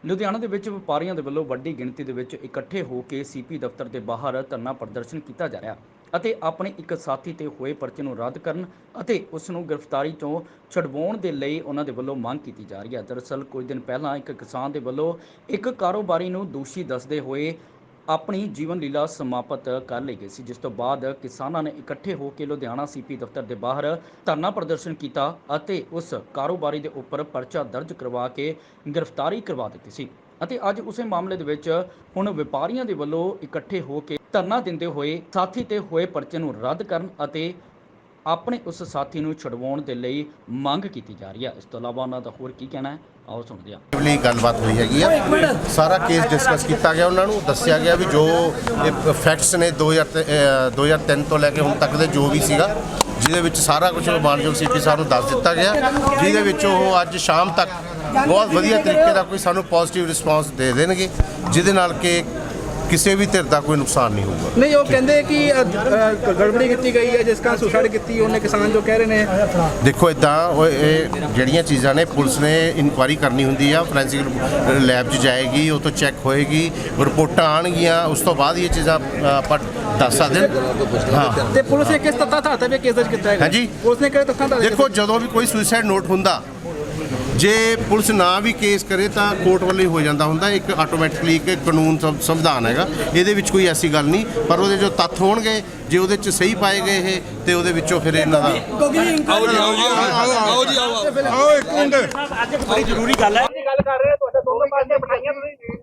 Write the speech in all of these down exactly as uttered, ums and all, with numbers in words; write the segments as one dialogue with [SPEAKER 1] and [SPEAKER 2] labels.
[SPEAKER 1] ਲੁਧਿਆਣਾ ਦੇ ਵਿੱਚ ਵਪਾਰੀਆਂ ਦੇ ਵੱਲੋਂ ਵੱਡੀ ਗਿਣਤੀ ਦੇ ਵਿੱਚ ਇਕੱਠੇ ਹੋ ਕੇ ਸੀਪੀ ਦਫ਼ਤਰ ਦੇ ਬਾਹਰ ਧਰਨਾ ਪ੍ਰਦਰਸ਼ਨ ਕੀਤਾ ਜਾ ਰਿਹਾ ਅਤੇ ਆਪਣੇ ਇੱਕ ਸਾਥੀ ਤੇ ਹੋਏ ਪਰਚੇ ਨੂੰ ਰੱਦ ਕਰਨ ਅਤੇ ਉਸ ਨੂੰ ਗ੍ਰਿਫਤਾਰੀ ਤੋਂ ਛਡਵਾਉਣ ਦੇ ਲਈ ਉਹਨਾਂ ਦੇ ਵੱਲੋਂ ਮੰਗ ਕੀਤੀ ਜਾ ਰਹੀ ਹੈ। ਦਰਅਸਲ ਕੁਝ ਦਿਨ ਪਹਿਲਾਂ ਇੱਕ ਕਿਸਾਨ ਦੇ ਵੱਲੋਂ ਇੱਕ ਕਾਰੋਬਾਰੀ ਨੂੰ ਦੋਸ਼ੀ ਦੱਸਦੇ ਹੋਏ ਆਪਣੀ ਜੀਵਨ ਲੀਲਾ ਸਮਾਪਤ ਕਰ ਲਈ ਗਈ ਸੀ, ਜਿਸ ਤੋਂ ਬਾਅਦ ਕਿਸਾਨਾਂ ਨੇ ਇਕੱਠੇ ਹੋ ਕੇ ਲੁਧਿਆਣਾ ਸੀਪੀ ਦਫ਼ਤਰ ਦੇ ਬਾਹਰ ਧਰਨਾ ਪ੍ਰਦਰਸ਼ਨ ਕੀਤਾ ਅਤੇ ਉਸ ਕਾਰੋਬਾਰੀ ਦੇ ਉੱਪਰ ਪਰਚਾ ਦਰਜ ਕਰਵਾ ਕੇ ਗ੍ਰਿਫਤਾਰੀ ਕਰਵਾ ਦਿੱਤੀ ਸੀ। ਅਤੇ ਅੱਜ ਉਸੇ ਮਾਮਲੇ ਦੇ ਵਿੱਚ ਹੁਣ ਵਪਾਰੀਆਂ ਦੇ ਵੱਲੋਂ ਇਕੱਠੇ ਹੋ ਕੇ ਧਰਨਾ ਦਿੰਦੇ ਹੋਏ ਸਾਥੀ ਤੇ ਹੋਏ ਪਰਚੇ ਨੂੰ ਰੱਦ ਕਰਨ ਅਤੇ ਆਪਣੇ ਉਸ ਸਾਥੀ ਨੂੰ ਛਡਵਾਉਣ ਦੇ ਲਈ ਮੰਗ ਕੀਤੀ ਜਾ ਰਹੀ ਹੈ। ਇਸ ਤੋਂ ਇਲਾਵਾ ਉਹਨਾਂ ਦਾ ਹੋਰ ਕੀ ਕਹਿਣਾ ਹੈ, ਆਓ ਸੁਣਦੇ ਹਾਂ।
[SPEAKER 2] ਲਈ ਗੱਲਬਾਤ ਹੋਈ ਹੈਗੀ ਆ, ਸਾਰਾ ਕੇਸ ਡਿਸਕਸ ਕੀਤਾ ਗਿਆ, ਉਹਨਾਂ ਨੂੰ ਦੱਸਿਆ ਗਿਆ ਵੀ ਜੋ ਫੈਕਟਸ ਨੇ ਦੋ ਹਜ਼ਾਰ ਤਿੰਨ ਤੋਂ ਲੈ ਕੇ ਹੁਣ ਤੱਕ ਦੇ ਜੋ ਵੀ ਸੀਗਾ, ਜਿਹਦੇ ਵਿੱਚ ਸਾਰਾ ਕੁਝ ਮਾਨਯੋਗ ਸੀਪੀ ਸਾਹਿਬ ਨੂੰ ਦੱਸ ਦਿੱਤਾ ਗਿਆ, ਜਿਹਦੇ ਵਿੱਚ ਉਹ ਅੱਜ ਸ਼ਾਮ ਤੱਕ ਬਹੁਤ ਵਧੀਆ ਤਰੀਕੇ ਦਾ ਕੋਈ ਸਾਨੂੰ ਪੋਜ਼ਿਟਿਵ ਰਿਸਪੌਂਸ ਦੇ ਦੇਣਗੇ, ਜਿਹਦੇ ਨਾਲ ਕਿ ਕਿਸੇ ਵੀ ਧਿਰ ਦਾ ਕੋਈ ਨੁਕਸਾਨ ਨਹੀਂ ਹੋਊਗਾ।
[SPEAKER 3] ਨਹੀਂ, ਉਹ ਕਹਿੰਦੇ ਕਿ ਗੜਬੜੀ ਕੀਤੀ ਗਈ ਹੈ, ਜਿਸ ਕਾਰਨ ਸੁਸਾਈਡ ਕੀਤੀ ਉਹਨੇ, ਕਿਸਾਨ ਜੋ ਕਹਿ ਰਹੇ ਨੇ।
[SPEAKER 2] ਦੇਖੋ ਇੱਦਾਂ ਉਹ ਇਹ ਜਿਹੜੀਆਂ ਚੀਜ਼ਾਂ ਨੇ ਪੁਲਿਸ ਨੇ ਇਨਕੁਆਇਰੀ ਕਰਨੀ ਹੁੰਦੀ ਆ, ਫੋਰੈਂਸਿਕ ਲੈਬ 'ਚ ਜਾਏਗੀ, ਉਹ ਤੋਂ ਚੈੱਕ ਹੋਏਗੀ, ਰਿਪੋਰਟਾਂ ਆਉਣਗੀਆਂ, ਉਸ ਤੋਂ ਬਾਅਦ ਇਹ ਚੀਜ਼ਾਂ ਆਪਾਂ ਦੱਸ ਸਕਦੇ ਹਾਂ।
[SPEAKER 3] ਤੇ ਪੁਲਿਸ ਨੇ ਕਿਸ ਤੱਥਾਂ ਧਾਰਤੇ ਤੇ ਕੇਸ ਦਰਜ ਕੀਤਾ ਹੈ?
[SPEAKER 2] ਹਾਂਜੀ,
[SPEAKER 3] ਪੁਲਿਸ ਨੇ ਕਿਹੜੇ ਤੱਥਾਂ ਧਾਰਤੇ?
[SPEAKER 2] ਦੇਖੋ ਜਦੋਂ ਵੀ ਕੋਈ ਸੁਸਾਈਡ ਨੋਟ ਹੁੰਦਾ, ਜੇ ਪੁਲਿਸ ਨਾ ਵੀ ਕੇਸ ਕਰੇ ਤਾਂ ਕੋਰਟ ਵੱਲੋਂ ਹੀ ਹੋ ਜਾਂਦਾ ਹੁੰਦਾ, ਇੱਕ ਆਟੋਮੈਟਿਕਲੀ ਇੱਕ ਕਾਨੂੰਨ ਸੰਵਿਧਾਨ ਹੈਗਾ, ਇਹਦੇ ਵਿੱਚ ਕੋਈ ਐਸੀ ਗੱਲ ਨਹੀਂ। ਪਰ ਉਹਦੇ ਜੋ ਤੱਥ ਹੋਣਗੇ, ਜੇ ਉਹਦੇ 'ਚ ਸਹੀ ਪਾਏ ਗਏ ਇਹ, ਤੇ ਉਹਦੇ ਵਿੱਚੋਂ ਫਿਰ ਇਹਨਾਂ ਦਾ
[SPEAKER 4] ਆਓ ਜੀ ਆਓ ਜੀ ਆਓ ਜੀ ਆਓ ਇੱਕ ਮਿੰਟ,
[SPEAKER 5] ਅੱਜ ਬੜੀ ਜ਼ਰੂਰੀ ਗੱਲ ਹੈ।
[SPEAKER 3] ਗੱਲ ਕਰ ਰਹੇ ਤੁਹਾਡੇ ਦੋਨੋਂ ਪਾਸੇ ਬਿਠਾਈਆਂ ਤੁਸੀਂ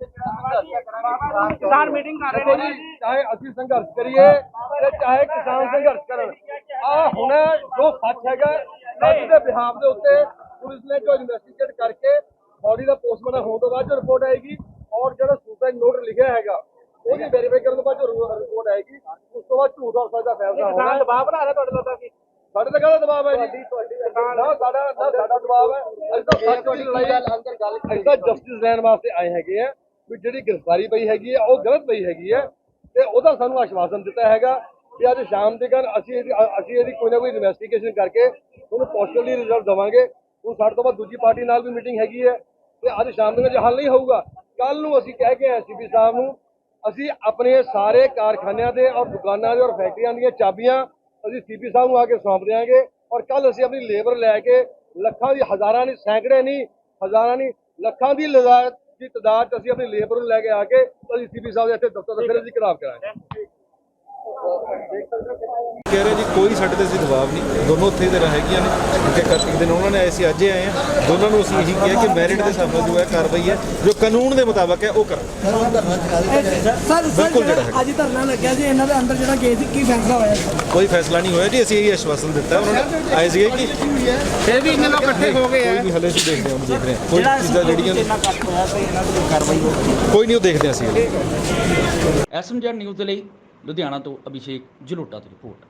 [SPEAKER 3] ਕਿਸਾਨ ਮੀਟਿੰਗ ਕਰ ਰਹੇ ਨੇ ਜੀ।
[SPEAKER 6] ਚਾਹੇ ਅਸੀਂ ਸੰਘਰਸ਼ ਕਰੀਏ ਤੇ ਚਾਹੇ ਕਿਸਾਨ ਸੰਘਰਸ਼ ਕਰਨ, ਆ ਹੁਣ ਜੋ ਸੱਚ ਹੈਗਾ ਸੱਚ ਦੇ ਬਿਹਾਫ ਦੇ ਉੱਤੇ ਪੁਲਿਸ ਨੇ ਜੋ ਇਨਵੈਸਟੀਗੇਟ ਕਰਕੇ ਬੋਡੀ ਦਾ ਪੋਸਟਮਾਰਟਮ ਹੋਣ ਤੋਂ ਬਾਅਦ ਜੋ ਰਿਪੋਰਟ ਆਏਗੀ, ਔਰ ਜਿਹੜਾ ਸੁਸਾਈਡ ਨੋਟ ਲਿਖਿਆ ਹੈਗਾ ਉਹਦੀ ਵੈਰੀਫਾਈ ਕਰਨ ਤੋਂ ਬਾਅਦ ਜੋ ਰਿਪੋਰਟ ਆਏਗੀ, ਉਸ ਤੋਂ ਬਾਅਦ ਝੂਠ ਔਰ ਸੱਚ ਦਾ ਫੈਸਲਾ ਹੋਣਾ।
[SPEAKER 3] ਦਬਾਅ ਬਣਾ ਰਿਹਾ ਤੁਹਾਡੇ ਲੋਕਾਂ ਕੀ?
[SPEAKER 6] ਸਾਡੇ ਤੇ ਕਾਹਦਾ ਦਬਾਅ ਹੈ ਜੀ? ਨਾ ਸਾਡਾ ਨਾ ਸਾਡਾ ਦਬਾਅ ਹੈ, ਅਸੀਂ ਤਾਂ ਸੱਚ ਦੀ ਲੜਾਈ, ਅਸੀਂ ਤਾਂ ਜਸਟਿਸ ਲੈਣ ਵਾਸਤੇ ਆਏ ਹੈਗੇ ਆ ਵੀ ਜਿਹੜੀ ਗ੍ਰਿਫਤਾਰੀ ਪਈ ਹੈਗੀ ਹੈ ਉਹ ਗਲਤ ਪਈ ਹੈਗੀ ਹੈ, ਤੇ ਉਹਦਾ ਸਾਨੂੰ ਆਸ਼ਵਾਸਨ ਦਿੱਤਾ ਹੈਗਾ ਕਿ ਅੱਜ ਸ਼ਾਮ ਦੇ ਕਾਰਨ ਅਸੀਂ ਇਹਦੀ ਅਸੀਂ ਇਹਦੀ ਕੋਈ ਨਾ ਕੋਈ ਇਨਵੈਸਟੀਗੇਸ਼ਨ ਕਰਕੇ ਉਹਨੂੰ ਪੋਜ਼ਿਟਿਵਲੀ ਰਿਜ਼ਲਟ ਦੇਵਾਂਗੇ। ਹੁਣ ਸਾਡੇ ਤੋਂ ਬਾਅਦ ਦੂਜੀ ਪਾਰਟੀ ਨਾਲ ਵੀ ਮੀਟਿੰਗ ਹੈਗੀ ਹੈ, ਤੇ ਅੱਜ ਸ਼ਾਮ ਦੇ ਵਿੱਚ ਹੱਲ ਨਹੀਂ ਹੋਊਗਾ, ਕੱਲ ਨੂੰ ਅਸੀਂ ਕਹਿ ਕੇ ਆਏ ਸੀਪੀ ਸਾਹਿਬ ਨੂੰ, ਅਸੀਂ ਆਪਣੇ ਸਾਰੇ ਕਾਰਖਾਨਿਆਂ ਦੇ ਔਰ ਦੁਕਾਨਾਂ ਦੇ ਔਰ ਫੈਕਟਰੀਆਂ ਦੀਆਂ ਚਾਬੀਆਂ ਅਸੀਂ ਸੀਪੀ ਸਾਹਿਬ ਨੂੰ ਆ ਕੇ ਸੌਂਪ ਦਿਆਂਗੇ, ਔਰ ਕੱਲ ਅਸੀਂ ਆਪਣੀ ਲੇਬਰ ਲੈ ਕੇ ਲੱਖਾਂ ਦੀ, ਹਜ਼ਾਰਾਂ ਨਹੀਂ, ਸੈਂਕੜੇ ਨਹੀਂ, ਹਜ਼ਾਰਾਂ ਨਹੀਂ, ਲੱਖਾਂ ਦੀ ਲਗਾਤ ਦੀ ਤਾਦਾਦ 'ਚ ਅਸੀਂ ਆਪਣੀ ਲੇਬਰ ਨੂੰ ਲੈ ਕੇ ਆ ਕੇ ਅਸੀਂ ਸੀਪੀ ਸਾਹਿਬ ਦੇ ਇੱਥੇ ਦਫ਼ਤਰ ਦਾ ਫਿਰ ਅਸੀਂ ਘਿਰਾਵ ਕਰਾਂਗੇ।
[SPEAKER 4] ਕਹਿ ਰਹੇ ਜੀ ਕੋਈ ਸਾਡੇ ਤੇ ਅਸੀਂ ਦਬਾਅ ਨਹੀਂ, ਦੋਨੋਂ ਉੱਥੇ ਦੇ ਹੈਗੀਆਂ ਨੇ, ਕਿ ਇੱਕ ਦਿਨ ਉਹਨਾਂ ਨੇ ਆਏ ਸੀ, ਅੱਜ ਆਏ ਆ, ਦੋਨਾਂ ਨੂੰ ਅਸੀਂ ਇਹੀ ਕਿਹਾ ਕਿ ਮੈਰਿਟ ਦੇ ਹਿਸਾਬ ਨਾਲ ਜੋ ਹੈ ਕਾਰਵਾਈ ਹੈ ਜੋ ਕਾਨੂੰਨ ਦੇ ਮੁਤਾਬਕ ਹੈ ਉਹ ਕਰ।
[SPEAKER 5] ਸਰ ਬਿਲਕੁਲ ਜਿਹੜਾ ਅੱਜ ਧਰਨਾ ਲੱਗਿਆ ਸੀ, ਇਹਨਾਂ ਦੇ ਅੰਦਰ ਜਿਹੜਾ ਕੇਸ ਸੀ, ਕੀ ਫੈਸਲਾ ਹੋਇਆ?
[SPEAKER 4] ਕੋਈ ਫੈਸਲਾ ਨਹੀਂ ਹੋਇਆ ਜੀ, ਅਸੀਂ ਇਹ ਆਸ਼ਵਾਸਨ ਦਿੱਤਾ ਉਹਨਾਂ ਨੇ, ਆਏ ਸੀਗੇ ਕਿ
[SPEAKER 3] ਫਿਰ ਵੀ ਇਹਨਾਂ ਲੋਕ ਇਕੱਠੇ ਹੋ ਗਏ ਆ।
[SPEAKER 4] ਕੋਈ ਨਹੀਂ, ਹਲੇ ਅਸੀਂ ਦੇਖਦੇ ਹਾਂ, ਦੇਖ ਰਹੇ ਹਾਂ ਕੋਈ ਚੀਜ਼ਾਂ ਜਿਹੜੀਆਂ ਕੋਈ ਨਹੀਂ, ਉਹ ਦੇਖਦੇ ਹਾਂ ਅਸੀਂ।
[SPEAKER 1] ਐਸਐਮਜੈਡ ਨਿਊਜ਼ ਦੇ ਲਈ ਲੁਧਿਆਣਾ ਤੋਂ ਅਭਿਸ਼ੇਕ ਜਲੋਟਾ ਦੀ ਰਿਪੋਰਟ।